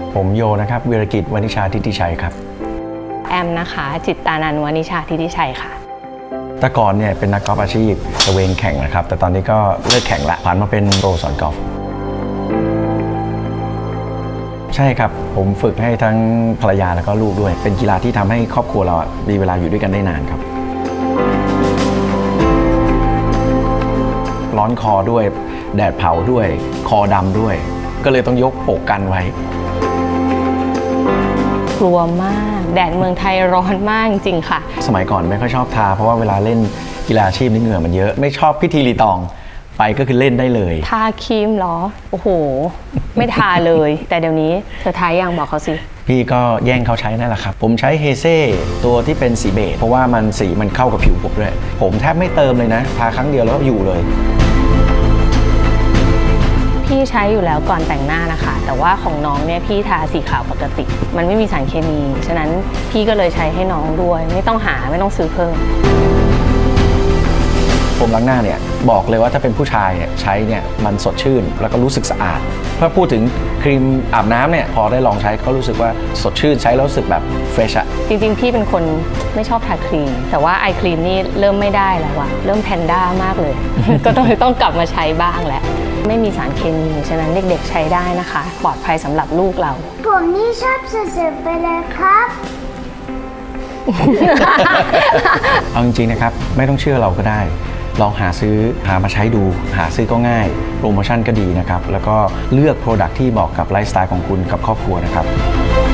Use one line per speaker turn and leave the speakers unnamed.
ผมโยนะครับวีรกิจวณิชาทิติชัยครับ
แอมนะคะจิตตานันท์วณิชาทิติชัยค่ะ
แต่ก่อนเนี่ยเป็นนักกอล์ฟอาชีพตะเวนแข่งนะครับแต่ตอนนี้ก็เลิกแข่งละผ่านมาเป็นโปรสอนกอล์ฟใช่ครับผมฝึกให้ทั้งภรรยาแล้วก็ลูกด้วยเป็นกีฬาที่ทำให้ครอบครัวเรามีเวลาอยู่ด้วยกันได้นานครับร้อนคอด้วยแดดเผาด้วยคอดำด้วยก็เลยต้องยกปกกันไว้
กลัวมากแดดเมืองไทยร้อนมากจริงค่ะ
สมัยก่อนไม่ค่อยชอบทาเพราะว่าเวลาเล่นกีฬาอาชีพนี่เหงื่อมันเยอะไม่ชอบพิธีรีตองไปก็คือเล่นได้เลย
ทาครีมเหรอโอ้โหไม่ทาเลยแต่เดี๋ยวนี้เธอทายังบอกเขาสิ
พี่ก็แย่งเขาใช้นั่นแหละครับผมใช้เฮเซ่ตัวที่เป็นสีเบจเพราะว่ามันสีมันเข้ากับผิวผมด้วยผมแทบไม่เติมเลยนะทาครั้งเดียวแล้วก็อยู่เลย
พี่ใช้อยู่แล้วก่อนแต่งหน้านะคะแต่ว่าของน้องเนี่ยพี่ทาสีขาวปกติมันไม่มีสารเคมีฉะนั้นพี่ก็เลยใช้ให้น้องด้วยไม่ต้องซื้อเพิ่ม
โฟมล้างหน้าเนี่ยบอกเลยว่าถ้าเป็นผู้ชายเนี่ยใช้เนี่ยมันสดชื่นแล้วก็รู้สึกสะอาดถ้าพูดถึงครีมอาบน้ำเนี่ยพอได้ลองใช้ก็รู้สึกว่าสดชื่นใช้แล้วรู้สึกแบบเฟรชอะ
จริงๆพี่เป็นคนไม่ชอบทาครีมแต่ว่าไอครีมนี่เริ่มไม่ได้แล้วอะเริ่มแพนด้ามากเลย ก็ต้องกลับมาใช้บ้างแหละไม่มีสารเคมีฉะนั้นเด็กๆใช้ได้นะคะปลอดภัยสำหรับลูกเรา
ผมนี่ชอบสุดๆไปเลยครับ
เอาจริงๆนะครับไม่ต้องเชื่อเราก็ได้ลองหามาใช้ดูหาซื้อก็ง่ายโปรโมชั่นก็ดีนะครับแล้วก็เลือก Product ที่บอกกับไลฟ์สไตล์ของคุณกับครอบครัวนะครับ